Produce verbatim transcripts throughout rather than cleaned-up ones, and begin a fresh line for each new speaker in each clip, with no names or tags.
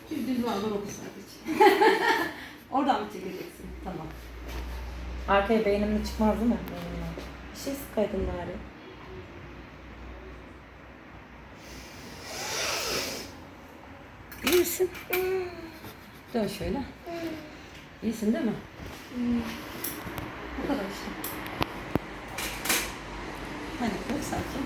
Bir düz var var oku sadece. Oradan mı çekeceksin? Tamam.
Arkaya beynimle çıkmaz değil mi? Beynimle. Bir şey sıkaydın bari.
İyi misin? Dön şöyle. İyisin değil mi? Bu kadar işte. Hadi koy sakin.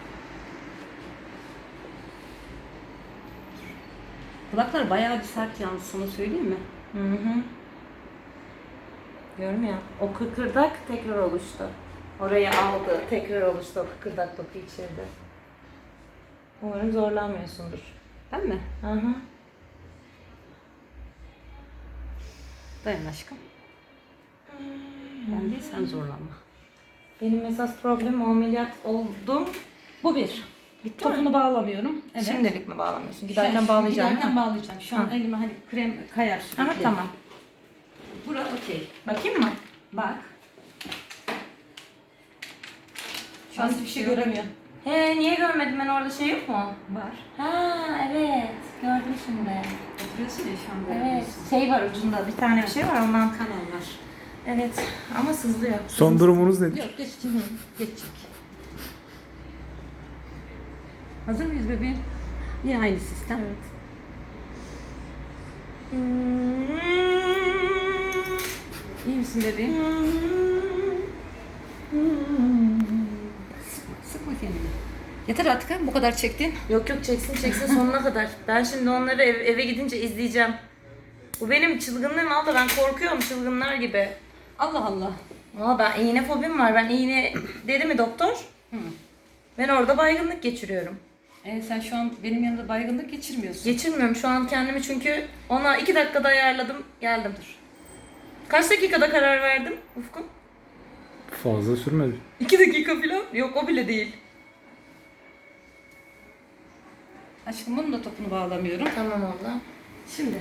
Kulaklar bayağı bir sert yalnız, sana söyleyeyim mi?
Hı hı. Diyorum ya, o kıkırdak tekrar oluştu. Orayı aldı, tekrar oluştu o kıkırdak doku içeride. Umarım zorlanmıyorsundur.
Ben mi?
Hı hı.
Dayan aşkım. Ben değil, sen zorlanma.
Benim esas problemim o ameliyat oldum.
Bu bir.
Bitti
Topunu
mi?
bağlamıyorum. Evet.
Şimdilik mi bağlamıyorsun? Giderken
Şu-
bağlayacağım.
Giderken
değil mi?
bağlayacağım. Şu an
Ha.
elime hani krem kayar sürekli.
Aha, tamam.
Bura okey.
Bakayım mı?
Bak. Şu an hiçbir şey göremiyor.
He, niye görmedim ben, orada şey yok mu?
Var.
Ha evet, gördüm şimdi.
Oturuyorsun ya şu an
Evet,
göremiyorsun.
şey var ucunda, bir tane bir şey var ondan.
Kanal var.
Evet, ama sızlıyor.
Son durumunuz nedir?
Yok geçecek. Geçecek. Hazır mıyız bebeğim? Yine aynı sistem.
Evet.
İyi misin bebeğim? Sıkma, sıkma kendini. Yeter artık ha, bu kadar çektin.
Yok yok, çeksin çeksin sonuna kadar. Ben şimdi onları ev- eve gidince izleyeceğim. Bu benim çılgınlığım abla, ben korkuyorum çılgınlar gibi.
Allah Allah.
Valla ben iğne fobim var. Ben iğne dedi mi doktor?
Hı.
Ben orada baygınlık geçiriyorum.
E, sen şu an benim yanımda baygınlık geçirmiyorsun.
Geçirmiyorum şu an kendimi çünkü ona iki dakikada ayarladım, geldim. Dur. Kaç dakikada karar verdim Ufku?
Fazla sürmedi.
İki dakika falan? Yok, o bile değil.
Aşkım bunun da topunu bağlamıyorum.
Tamam abla.
Şimdi.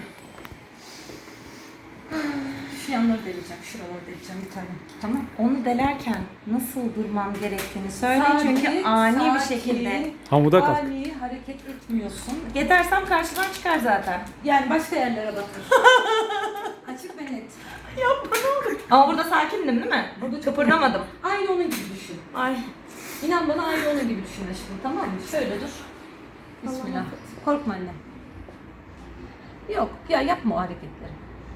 Şu yanları deleceğim, şuraları deleceğim bir tane. Tamam.
Onu delerken nasıl durmam gerektiğini söyle
Sakin,
çünkü ani bir
sakin,
şekilde.
Hamuda kalk.
Ani hareket etmiyorsun.
Yetersem karşıdan çıkar zaten.
Yani başka yerlere bakır. Açık ve net.
Yapma ne olur. Ama burada sakindim değil mi?
Burada
Kıpırdamadım.
Aynı onun gibi düşün.
Ay.
İnan bana aynı onun gibi düşün aşkım, tamam mı? Şöyle dur. Bismillah. Korkma anne. Yok ya, yapma o hareketleri.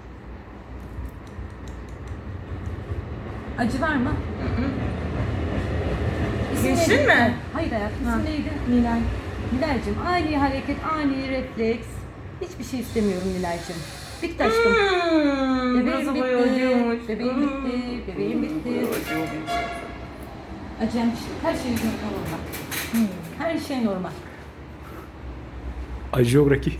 Acı var mı? İsim
Geçtin
neydi?
mi?
Hayır hayatım,
Ha.
isim neydi?
Nilay.
Nilay'cığım, ani hareket, ani refleks. Hiçbir şey istemiyorum Nilay'cığım. Bitti aşkım.
Hmm,
Bebeğim
burası
bitti.
bayağı acıyormuş.
Bebeğim bitti. Bebeğim bitti. Acıyan bir şey. Her şey normal.
Hmm.
Her şey normal.
Acıyor Rocky.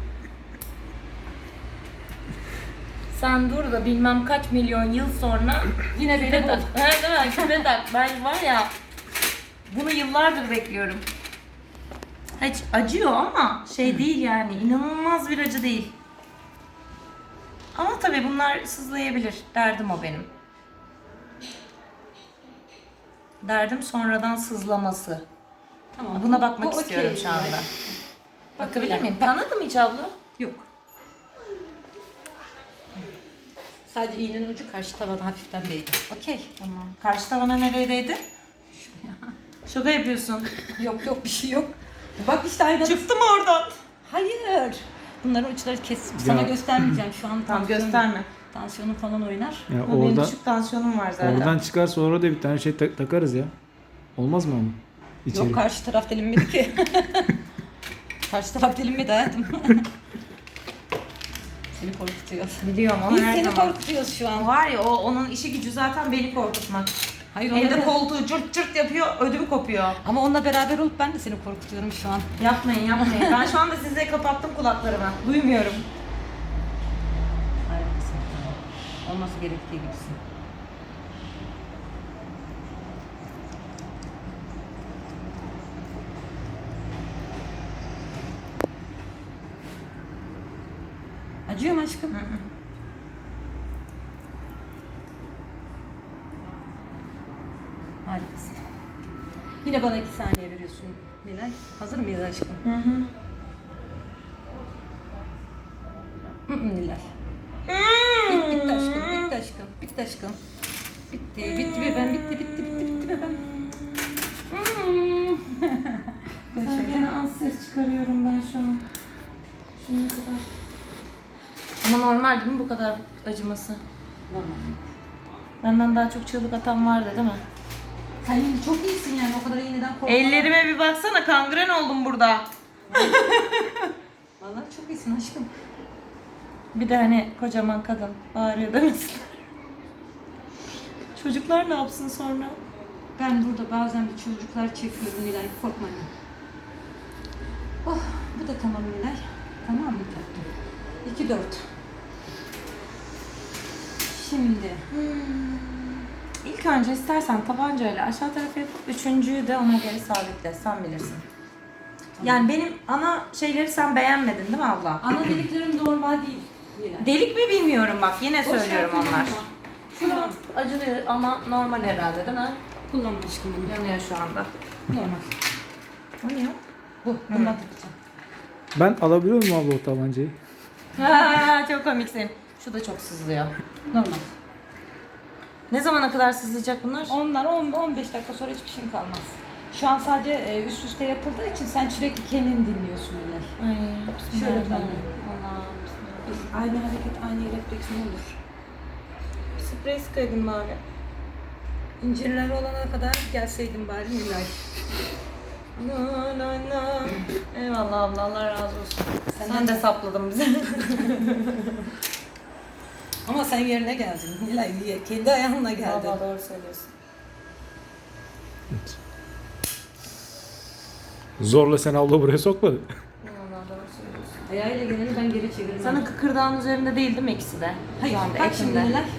Sen dur da bilmem kaç milyon yıl sonra
Yine beni
küpe
bul.
tak. Evet değil mi? Küpe tak. Ben var ya, bunu yıllardır bekliyorum. Hiç acıyor ama şey değil yani, inanılmaz bir acı değil. Ama tabii bunlar sızlayabilir. Derdim o benim. Derdim sonradan sızlaması.
Tamam.
Buna bakmak
Bu
istiyorum
okey
şu anda.
Nilay.
Bakabilir miyim? Kanadı mı hiç abla?
Yok. Sadece iğnenin ucu karşı tavana hafiften değdi. Okey.
Tamam. Karşı tavana neredeydi? Şaka yapıyorsun.
Yok yok, bir şey yok. Bak işte aynen.
Çıktı mı oradan?
Hayır. Bunların uçları kes. Sana
Ya.
göstermeyeceğim şu an.
Tamam,
tansiyonum-
gösterme.
Tansiyonum falan oynar.
Ya
Ama benim
orada,
düşük tansiyonum var zaten.
oradan çıkarsa orada bir tane şey tak- takarız ya. Olmaz mı ama? İçeri.
Yok, karşı taraf delinmedi ki. Karşı taraf delinmedi hayatım. Seni korkutuyor.
Biliyorum ama
Biz
her
seni
zaman.
korkutuyoruz şu an.
Var ya, o onun işi gücü zaten beni korkutmak.
Hayır,
Evde
onunla-
koltuğu cırt cırt yapıyor, ödümü kopuyor.
Ama onunla beraber olup ben de seni korkutuyorum şu an.
Yapmayın yapmayın. Ben şu anda size kapattım kulaklarımı. Duymuyorum.
Hayır, sen olması gerektiği gibisin. Acıyor mu aşkım?
Hı hı.
Harikasın. Yine bana iki saniye veriyorsun Nilay. Hazır mıyız aşkım?
Hı hı.
Hı hı, Nilay. Bitti, bitti aşkım, bitti aşkım, bitti aşkım. Bitti, bitti bebeğim, bitti, bitti, bitti, bitti bebeğim.
Sen gene az ses çıkarıyorum ben şu an. Şimdi kadar. Ama normal değil mi bu kadar acıması?
Normal.
Benden daha çok çığlık atan vardı değil mi?
Sen yine çok iyisin yani, o kadar iğneden korkma.
Ellerime bir baksana, kangren oldum burada.
Vallahi çok iyisin aşkım.
Bir de hani kocaman kadın bağırıyor demesin. Çocuklar ne yapsın sonra?
Ben burada bazen bir çocuklar çekiyorum Nilay, korkma anne. Oh, bu da tamam Nilay. Tamam mı tatlım? iki dört. Şimdi.
İlk önce istersen tabancayla aşağı tarafa yapıp üçüncüyü de ona göre sabitle, sen bilirsin. Yani benim ana şeyleri sen beğenmedin değil mi abla?
Ana deliklerim normal değil Nilay.
Delik mi bilmiyorum bak, yine
Boş
söylüyorum
ver,
onlar.
kullanma.
Şu an acılıyor ama normal herhalde değil mi?
Kullanma aşkım bunu.
Yanıyor şu anda.
Normal.
O ne ya?
Bu, bundan takacağım.
Ben alabiliyor muyum abla o tabancayı?
Ha, çok komiksin. Şu da çok sızlıyor.
Normal.
Ne zamana kadar sızlayacak bunlar?
Onlar on on beş dakika sonra hiçbir şey kalmaz. Şu an sadece e, üst üste yapıldığı için sen sürekli kendini dinliyorsun Nilay.
Ay,
Şöyle
bismillah.
ben.
Allah'ım.
Aynı hareket, aynı refleks ne olur?
Sprey sıkaydın bari.
İncirler olana kadar gelseydin bari Nilay.
Na, na, na. Eyvallah abla, Allah razı olsun.
Senden
Sen de
de-
sapladın bizi.
Ama sen yerine geldin Nilay, kendi ayağınla geldin.
Valla doğru söylüyorsun.
Zorla sen abla buraya sokmadı.
Valla doğru söylüyorsun.
Ayağıyla geleni ben geri çeviririm.
Sana kıkırdağın üzerinde değil değil mi ikisi de?
Hayır,
Şu anda
bak şimdi
etinde.
Nilay.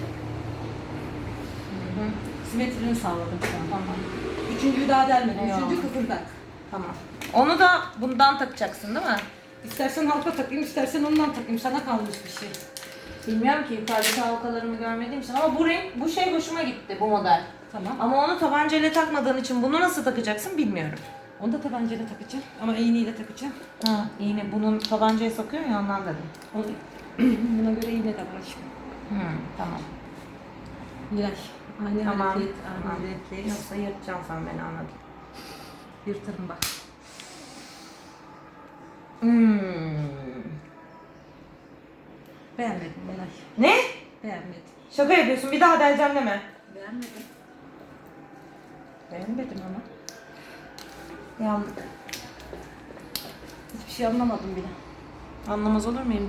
Simetrini sağladım şu an. Tamam. Üçüncüyü daha delmedim.
Eyvallah.
Üçüncü kıkırdak.
Tamam. Onu da bundan takacaksın değil mi?
İstersen halka takayım, istersen ondan takayım. Sana kalmış bir şey.
Bilmiyorum ki, yukarıdaki halkalarımı görmediğim için ama bu renk, bu şey hoşuma gitti, bu model.
Tamam.
Ama onu tabancayla takmadığın için bunu nasıl takacaksın bilmiyorum.
Onu da tabancayla takacağım. Ama iğneyle takacağım.
Ha, iğne bunun tabancaya sokuyor ya, ondan dedim.
Onu, buna göre iğne de var aşkım.
Hı, tamam.
Nilay. Aynı
Tamam.
hareket,
Tamam.
aynı refleks.
Yoksa yırtacaksın sen beni, anladım.
Yırtarım bak.
Hmm.
Beğenmedim Nilay.
Ne?
Beğenmedim.
Şaka yapıyorsun, bir daha deleceğim deme.
Beğenmedim.
Beğenmedim ama. Yandık.
Hiçbir şey anlamadım bile.
Anlamaz olur muyum?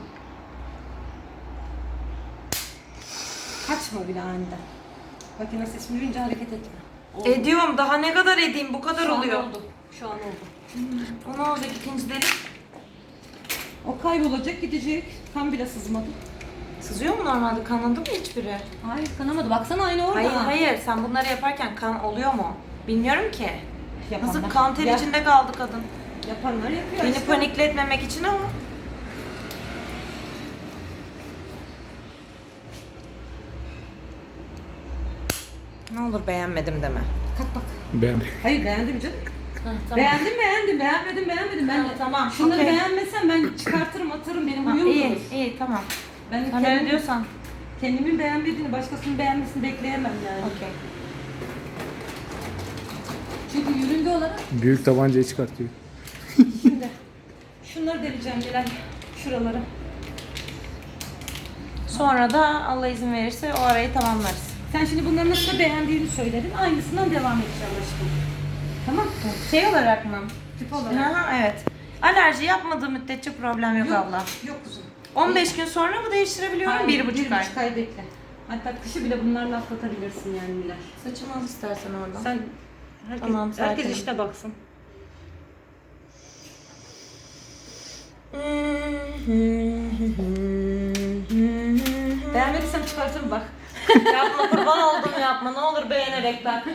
Kaçma bile aniden. Makine sesini duyunca hareket etme. Oldu.
Ediyorum, daha ne kadar edeyim, bu kadar
Şu an
oluyor.
oldu. Şu an oldu.
O ne olacak ikinci delik?
O kaybolacak, gidecek. Kan bile sızmadı.
Sızıyor mu normalde? Kanadı mı hiçbiri?
Hayır, kanamadı. Baksana aynı orada.
Hayır hayır, sen bunları yaparken kan oluyor mu? Bilmiyorum ki.
Yapanlar.
Nasıl kan ter
Ya-
içinde kaldı kadın.
Yapanlar yapıyor
Beni
işte.
panikletmemek için ama. Ne olur beğenmedim deme.
Kalk bak.
Beğendim.
Hayır, beğendim canım.
Tamam.
Beğendim, beğendim. Beğenmedim, beğenmedim. Ben
Ha, tamam,
Şunları
okey.
beğenmesem ben çıkartırım, atarım. Benim
Ha,
huyum
iyi,
budur.
iyi tamam.
Ben
Sen öyle
kendim,
diyorsan.
kendimin beğenmediğini, başkasının beğenmesini bekleyemem yani.
Okey.
Çünkü yürünge olarak
Büyük tabancayı çıkartıyor.
şimdi şunları deleceğim Nilay. Şuraları.
Sonra da Allah izin verirse o arayı tamamlarız.
Sen şimdi bunları nasıl beğendiğini söyledin. Aynısından devam edeceğim aşkım. Tamam mı?
Şey olarak mı?
Tip olarak.
Aha, evet. Alerji yapmadığı müddetçe problem yok, abla.
Yok kuzum.
on beş gün sonra mı değiştirebiliyorum?
Hayır,
bir buçuk
bir
ay.
buçuk ay bekle. Hatta kışı bile bunlarla atlatabilirsin yani Nilay.
Saçımı al istersen oradan.
Sen herkes,
Tamam,
herkes
sakinim.
işte baksın. Beğenmediysem çıkartırım bak.
Yapma, kurban oldum, yapma. Ne olur beğenerek bak.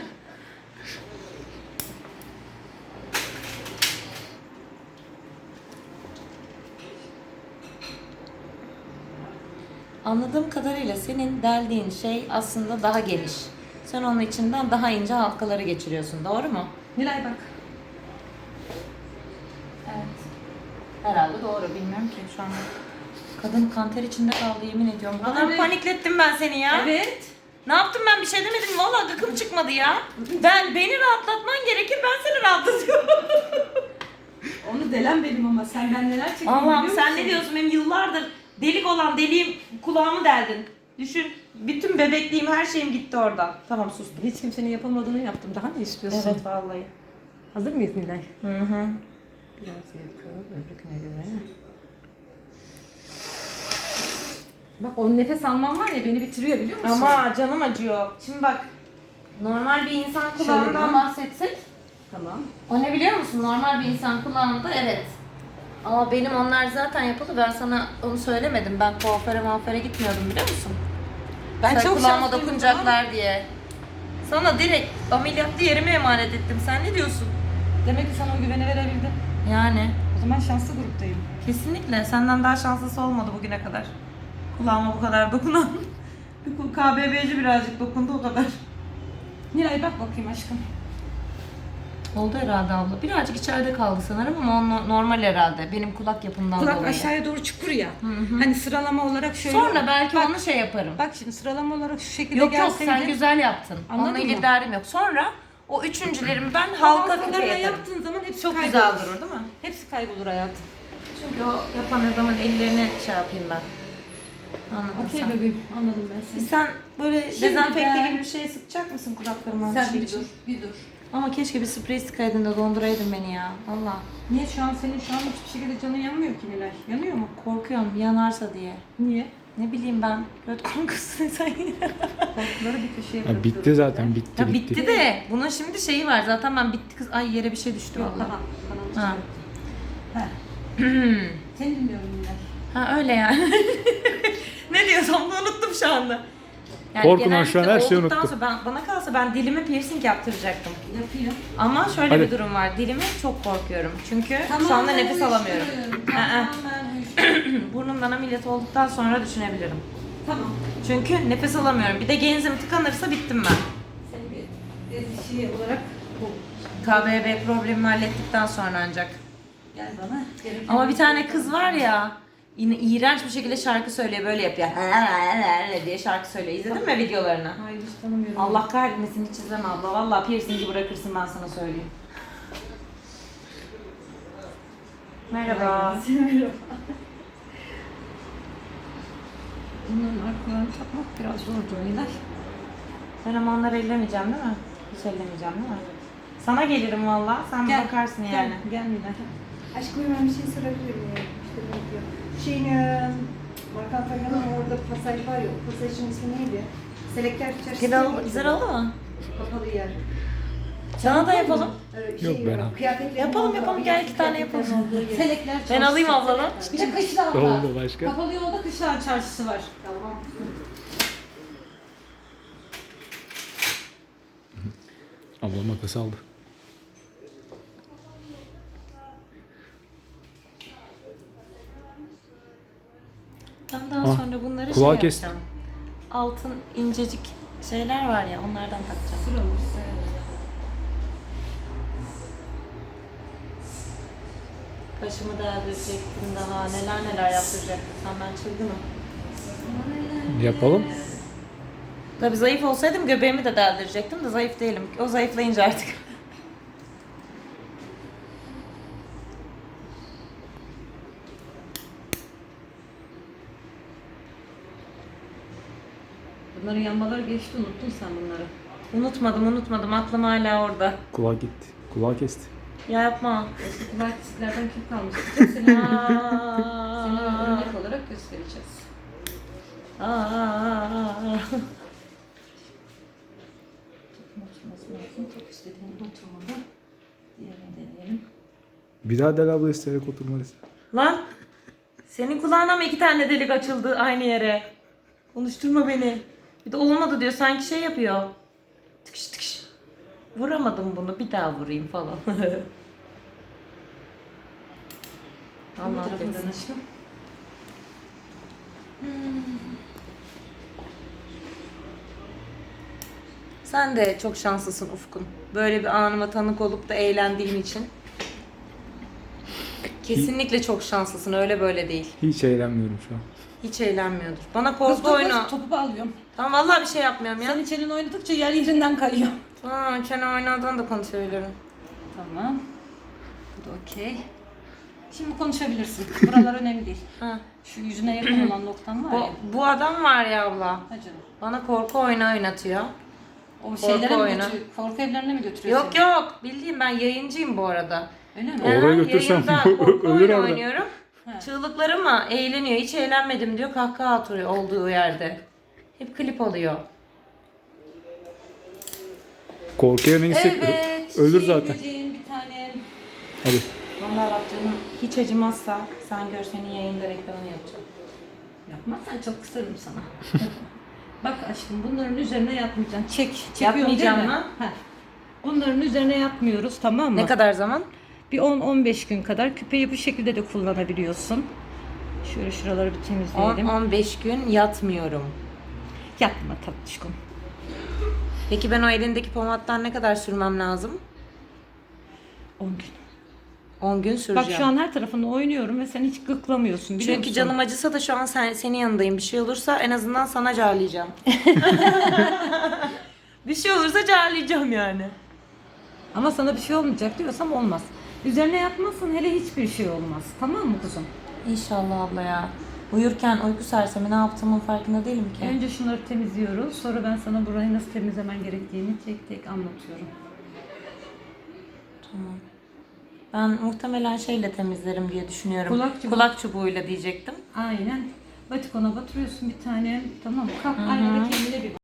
Anladığım kadarıyla senin deldiğin şey aslında daha geniş. Sen onun içinden daha ince halkaları geçiriyorsun. Doğru mu?
Nilay bak.
Evet. Herhalde doğru. Bilmiyorum ki şu anda. Kadın kanter içinde kaldı yemin ediyorum. Bu kadar
Evet.
paniklettim ben seni ya.
Evet.
Ne yaptım ben bir şey demedim. Vallahi gıkım çıkmadı ya. Ben beni rahatlatman gerekir ben seni rahatlatıyorum.
Onu delen benim ama sen ben neler çektim
Allah'ım
biliyor
sen
musun?
ne diyorsun benim yıllardır delik olan deliğim kulağımı deldin. Düşün bütün bebekliğim her şeyim gitti oradan. Tamam sustum.
Hiç kimsenin yapamadığını yaptım. Daha ne istiyorsun?
Evet vallahi.
Hazır mıyız Nilay?
Hı hı.
Biraz yapıyorum öbürküne göre. Bak o nefes alman var ya beni bitiriyor biliyor musun?
Ama canım acıyor. Şimdi bak normal bir insan kulağından
Şöyle.
bahsetsek.
Tamam.
O ne biliyor musun? Normal bir insan kulağında evet. Ama benim onlar zaten yapıldı. Ben sana onu söylemedim. Ben kuaföre muaföre gitmiyordum biliyor musun?
Ben
Sen
çok
kulağıma
şanslıyım
dokunacaklar diye. Sana direkt ameliyatlı yerime emanet ettim. Sen ne diyorsun?
Demek ki sana o güveni verebildim.
Yani
O zaman şanslı gruptayım.
kesinlikle senden daha şanslısı olmadı bugüne kadar. Kulağıma bu kadar dokunan. Bir K B B'ci birazcık dokundu o kadar.
Nilay bak bakayım aşkım.
Oldu herhalde abla. Birazcık içeride kaldı sanırım ama o no- normal herhalde. Benim kulak yapımdan
Kulak
dolayı.
aşağıya doğru çukur ya. Hani sıralama olarak şöyle.
Sonra belki
bak,
onu şey yaparım.
Bak şimdi sıralama olarak şu şekilde
Yok yok
gelseydi.
sen güzel yaptın.
Anladın
Onunla ilgili
mı?
derdim yok. Sonra o üçüncülerimi ben halka
Halkalarına
küpe yaparım.
yaptığın zaman hepsi
Çok
kaybolur.
güzel durur değil mi?
Hepsi kaybolur hayatım.
Çünkü o yapan adamın ellerini şey yapayım ben. Anladın
Okey
sen.
bebeğim anladım ben seni.
Sen böyle
Şimdi
dezenfekte
ben-
gibi bir şey sıkacak mısın kulaklarıma?
Sen
şey
bir
için?
dur, bir dur.
Ama keşke bir sprey sıkaydın da donduraydın beni ya. Valla.
Niye şu an senin şu an hiçbir şekilde canın yanmıyor ki Nilay? Yanıyor mu?
Korkuyorum yanarsa diye.
Niye?
Ne bileyim ben. Göt korkusun sen yine.
Korkuları bir köşeye
Ya
bırakıyorum.
bitti zaten bitti
Ya
bitti.
bitti de bunun şimdi şeyi var. Zaten ben bitti kız. Ay yere bir şey düştü
Yok
valla.
daha. Kanal
Ha.
Ha. Seni dinliyorum Nilay.
Ha öyle yani. Ne diyorsam da unuttum şu anda.
Korkudan şu an her
genellikle
şeyi
olduktan
unuttum.
sonra ben, bana kalsa ben dilime piercing yaptıracaktım.
Yapayım.
Ama şöyle
Hadi.
bir durum var. Dilime çok korkuyorum. Çünkü şu anda nefes alamıyorum.
Tamam ben uyuşturuyorum.
Burnumdan ameliyat olduktan sonra düşünebilirim.
Tamam.
Çünkü nefes alamıyorum. Bir de genzim tıkanırsa bittim ben.
Seni bir bir şey olarak bu.
K B B problemimi hallettikten sonra ancak.
Gel bana. Gereken
Ama bir tane kız var ya, yine iğrenç bir şekilde şarkı söylüyor, böyle yapıyor. diye şarkı söylüyor. İzledin mi videolarını?
Hayır hiç tanımıyorum.
Allah kahretmesin hiç izleme abla. Vallahi piercingi bırakırsın ben sana söyleyeyim. Merhaba.
Merhaba. Bunların arkalarını takmak biraz zor Nilay.
Ben ama onları ellemeyeceğim değil mi? Hiç ellemeyeceğim değil mi? Sana gelirim vallahi. Sen
Gel,
bakarsın
Gel,
yani.
gel Nilay.
Aşkım ben bir şey sorabilir miyim? İşte ne diyor? Şeyin, e, Markan Fagan'ın orada pasaj var ya, o pasajın ismi neydi? Selektör çarşısı.
Güzel,
değil
oldu,
mi?
güzel oldu mu?
Kapalı yer.
Sana da yapalım.
Öyle bir
Yok,
şey
ben al.
Kıyafetlerin
Yapalım,
olduğu-
yapalım. Gel iki tane yapalım.
kıyafetlerin olduğu yer.
Selekler
Ben
çarşısı.
alayım abladan.
Bir de Kışlağ'da.
Oldu başka.
Kapalı yolda Kışlağ çarşısı var.
Tamam.
Ablam makas aldı.
Ben daha
Ah,
sonra bunları şey
kulağı kes.
yapacağım. Altın incecik şeyler var ya onlardan takacağım.
Sıra olursa.
Başımı deldirecektim daha neler neler yaptıracaktım. Sen ben çılgınım.
Yapalım.
Tabii zayıf olsaydım göbeğimi de deldirecektim de zayıf değilim. O zayıflayınca artık.
Bunların yanmaları geçti unuttun sen bunları.
Unutmadım unutmadım aklım hala orada.
Kulağı gitti. Kulağı kesti.
Ya yapma.
Eski kulakçıklardan kim kalmış? Seni, seni
Aa.
örnek olarak göstereceğiz.
Aa.
Oturması lazım. Çok istediğin gibi oturmalı. Diğerini deneyelim.
Bir daha Del abla isteyerek oturmalıyız.
Lan senin kulağına mı iki tane delik açıldı aynı yere? Konuşturma beni. Bir de olmadı diyor sanki şey yapıyor. Tıkış tıkış. Vuramadım bunu bir daha vurayım falan.
Bu
Allah
tarafından
affetsin.
aşkım.
Sen de çok şanslısın Ufkun. Böyle bir anıma tanık olup da eğlendiğin için. Kesinlikle çok şanslısın, öyle böyle değil.
Hiç eğlenmiyorum şu an.
Hiç eğlenmiyordur. Bana
Kız
korku
topu,
oyunu.
topu alıyorum.
Tamam vallahi bir şey yapmıyorum ya.
Sen içerini oynadıkça yer yerinden kayıyor.
Aa, çene oynadığını da konuşabilirim.
Tamam. Bu da okey. Şimdi konuşabilirsin. Buralar önemli değil.
Ha.
Şu yüzüne yakın olan noktan var
Bu,
ya.
bu adam var ya abla.
Ha canım.
Bana korku oyunu oynatıyor.
O şeylere mi
oyunu.
götürüyor? Korku evlerine mi götürüyor
Yok
seni?
yok, bildiğim ben yayıncıyım bu arada.
Öyle mi?
Oraya
Aha,
götürsem
yayında korku
ölür
oyunu
orada.
oynuyorum.
Ha.
Çığlıklarıma eğleniyor. Hiç eğlenmedim diyor. Kahkaha atıyor olduğu yerde. Hep klip oluyor.
Korkuya neyse
Evet.
ölür
şey
zaten.
böceğin bir tane.
Hadi.
Vallahi bak canım hiç acımazsa sen gör senin yayında reklamını yapacağım.
Yapmazsan çok kısarım sana. Bak aşkım bunların üzerine yatmayacaksın. Çek. Çekiyorum
Yapmayacağım
değil mi?
mı?
Heh. Bunların üzerine yatmıyoruz, tamam mı?
Ne kadar zaman?
Bir on on beş gün kadar küpeyi bu şekilde de kullanabiliyorsun. Şöyle şuraları bir
on
temizleyelim.
on beş gün yatmıyorum.
Yatma tatlışkom.
Peki ben o elindeki pomattan ne kadar sürmem lazım?
on gün.
on gün süreceğim.
Bak şu an her tarafında oynuyorum ve sen hiç gıklamıyorsun biliyor
Çünkü
musun?
canım acısa da şu an sen, senin yanındayım. Bir şey olursa en azından sana carlayacağım. Bir şey olursa carlayacağım yani.
Ama sana bir şey olmayacak diyorsam olmaz. Üzerine yatmazsan hele hiçbir şey olmaz. Tamam mı kuzum?
İnşallah abla ya. Uyurken uyku sersemi ne yaptığımın farkında değilim ki.
Önce şunları temizliyoruz. Sonra ben sana burayı nasıl temizlemen gerektiğini tek tek anlatıyorum.
Tamam. Ben muhtemelen şeyle temizlerim diye düşünüyorum.
Kulak çubuğu.
Kulak çubuğuyla diyecektim.
Aynen. Batikona batırıyorsun bir tane. Tamam mı? Kalk aynada kendine bir bak.